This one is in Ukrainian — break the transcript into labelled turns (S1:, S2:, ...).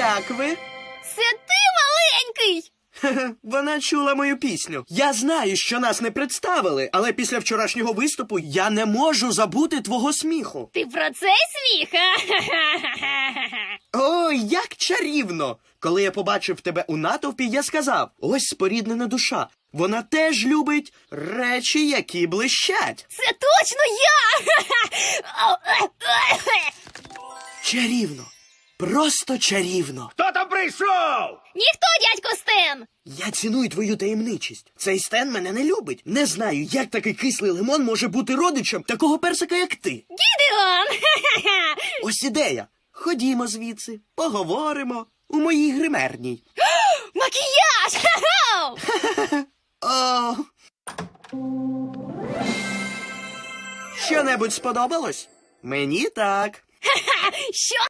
S1: Як ви?
S2: Це ти маленький?
S1: Вона чула мою пісню. Я знаю, що нас не представили, але після вчорашнього виступу я не можу забути твого сміху.
S2: Ти про цей сміх?
S1: Ой, як чарівно! Коли я побачив тебе у натовпі, я сказав, ось споріднена душа. Вона теж любить речі, які блищать.
S2: Це точно я!
S1: Чарівно. Просто чарівно.
S3: Хто там прийшов?
S2: Ніхто, дядько Стен!
S1: Я ціную твою таємничість. Цей Стен мене не любить. Не знаю, як такий кислий лимон може бути родичем такого персика, як ти.
S2: Гідеон!
S1: Ось ідея. Ходімо звідси, поговоримо у моїй гримерній.
S2: Макіяж!
S1: О! Що-небудь сподобалось? Мені так.
S2: Що